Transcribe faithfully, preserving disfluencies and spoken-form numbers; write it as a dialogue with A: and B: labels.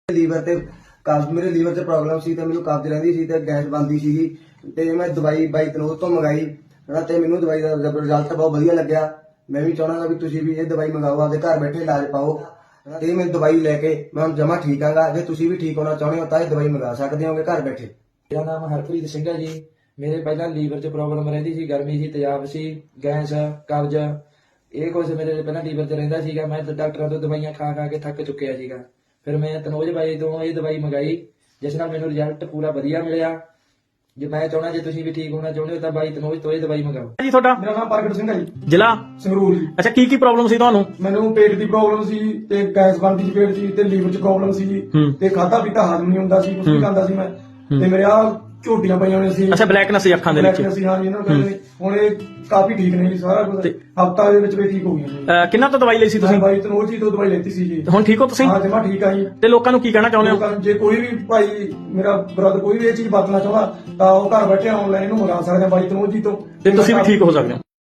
A: Liver ਤੇ ਕਬਜ਼ ਮੇਰੇ ਲੀਵਰ ਤੇ ਪ੍ਰੋਬਲਮ ਸੀ ਤੇ ਮੈਨੂੰ ਕਬਜ਼ ਰਹਿੰਦੀ ਸੀ ਤੇ ਗੈਸ ਬਣਦੀ ਸੀਗੀ ਤੇ ਮੈਂ ਦਵਾਈ ਬਾਈ ਤਨੋਜ ਤੋਂ ਮੰਗਾਈ ਤੇ ਮੈਨੂੰ ਦਵਾਈ ਦਾ ਰਿਜ਼ਲਟ ਬਹੁਤ ਵਧੀਆ ਲੱਗਿਆ। ਮੈਂ ਵੀ ਚਾਹੁੰਦਾ ਵੀ ਤੁਸੀਂ ਵੀ ਇਹ ਦਵਾਈ ਮੰਗਾਓ, ਆਪਦੇ ਘਰ ਬੈਠੇ ਇਲਾਜ ਪਾਓ ਤੇ ਮੈਂ ਦਵਾਈ ਲੈ ਕੇ ਮੈਂ ਹੁਣ ਜਮਾ ਠੀਕ ਆਂਗਾ। ਜੇ ਤੁਸੀਂ ਵੀ ਠੀਕ ਹੋਣਾ ਚਾਹੁੰਦੇ ਹੋ ਤਾਂ ਇਹ ਦਵਾਈ ਮੰਗਾ ਸਕਦੇ ਹੋਗੇ ਘਰ ਬੈਠੇ।
B: ਮੇਰਾ ਨਾਮ ਹਰਪ੍ਰੀਤ ਸਿੰਘ ਹੈ ਜੀ। ਮੇਰੇ ਪਹਿਲਾਂ ਲੀਵਰ 'ਚ ਪ੍ਰੋਬਲਮ ਰਹਿੰਦੀ ਸੀ, ਗਰਮੀ ਸੀ, ਤੇਜ਼ਾਬ ਸੀ, ਗੈਸ, ਕਬਜ਼, ਇਹ ਕੁਝ ਮੇਰੇ ਪਹਿਲਾਂ ਲੀਵਰ 'ਚ ਰਹਿੰਦਾ ਸੀਗਾ। ਮੈਂ ਡਾਕਟਰਾਂ ਤੋਂ ਦਵਾਈਆਂ ਖਾ ਖਾ ਕੇ ਥੱਕ ਚੁੱਕਿਆ ਸੀਗਾ। ਫਿਰ ਮੈਂ ਤਨੋਜ ਬਾਈ ਤੋਂ ਇਹ ਦਵਾਈ ਮੰਗਾਈ, ਜਿਸ ਨਾਲ ਮੈਨੂੰ ਰਿਜ਼ਲਟ ਪੂਰਾ ਵਧੀਆ ਮਿਲਿਆ। ਜੇ ਮੈਂ ਚਾਹੁੰਦਾ ਜੇ ਤੁਸੀਂ ਵੀ ਠੀਕ ਹੋਣਾ ਚਾਹੁੰਦੇ ਹੋ ਤਾਂ ਬਾਈ ਤਨੋਜ ਤੋਂ ਇਹ ਦਵਾਈ ਮੰਗਾਓ
C: ਜੀ। ਤੁਹਾਡਾ
D: ਮੇਰਾ ਨਾਮ ਪ੍ਰਗਟ ਸਿੰਘ ਹੈ ਜੀ,
C: ਜ਼ਿਲ੍ਹਾ
D: ਸੰਗਰੂਰ ਜੀ।
C: ਅੱਛਾ, ਕੀ ਕੀ ਪ੍ਰੋਬਲਮ ਸੀ ਤੁਹਾਨੂੰ?
D: ਮੈਨੂੰ ਪੇਟ ਦੀ ਪ੍ਰੋਬਲਮ ਸੀ ਤੇ ਗੈਸ ਬਣਦੀ ਸੀ ਪੇਟ 'ਚ ਤੇ ਲੀਵਰ 'ਚ ਪ੍ਰੋਬਲਮ ਸੀ ਜੀ ਤੇ ਖਾਧਾ ਪੀਤਾ ਹਜ਼ਮ ਨਹੀਂ ਹੁੰਦਾ ਸੀ, ਕੁਝ ਵੀ ਖਾਂਦਾ ਸੀ ਮੈਂ ਤੇ ਮੇਰੇ ਆ ਝੋਟੀਆਂ ਪਈਆਂ ਹੋਈਆਂ ਸੀ।
C: ਅੱਛਾ, ਬਲੈਕਨੈਸ ਸੀ ਅੱਖਾਂ ਦੇ ਵਿੱਚ।
D: ਬਲੈਕਨੈਸ ਸੀ, ਹਾਂ ਜੀ। ਇਹਨਾਂ ਨੂੰ ਕਹਿੰਦੇ ਨੇ ਹੁਣ ਇਹ ਕਾਫੀ ਠੀਕ ਨੇ ਜੀ, ਸਾਰਾ ਕੁਝ ਹਫਤਾ ਦੇ ਵਿੱਚ ਵੀ ਠੀਕ ਹੋ ਗਈਆਂ ਜੀ।
C: ਅਹ ਕਿੰਨਾ ਤੋਂ ਦਵਾਈ ਲਈ ਸੀ ਤੁਸੀਂ?
D: ਬਾਈ ਤਨੋਜ ਜੀ ਤੋਂ ਦਵਾਈ ਲੈਤੀ ਸੀ ਜੀ।
C: ਹੁਣ ਠੀਕ ਹੋ ਤੁਸੀਂ?
D: ਹਾਂ ਜਮਾ ਠੀਕ ਆ ਜੀ।
C: ਤੇ ਲੋਕਾਂ ਨੂੰ ਕੀ ਕਹਿਣਾ ਚਾਹੁੰਦੇ ਹੋ?
D: ਲੋਕਾਂ ਨੂੰ ਜੇ ਕੋਈ ਵੀ ਭਾਈ ਮੇਰਾ ਬ੍ਰਦਰ ਕੋਈ ਵੀ ਇਹ ਚੀਜ਼ ਵਰਤਣਾ ਚਾਹੁੰਦਾ ਤਾਂ ਉਹ ਘਰ ਬੈਠੇ ਆਨਲਾਈਨ ਇਹਨੂੰ ਮੰਗਾ ਸਕਦੇ ਆ ਬਾਈ ਤਨੋਜ ਜੀ ਤੋਂ।
C: ਤੇ ਤੁਸੀਂ ਵੀ ਠੀਕ ਹੋ ਸਕਦੇ ਹੋ।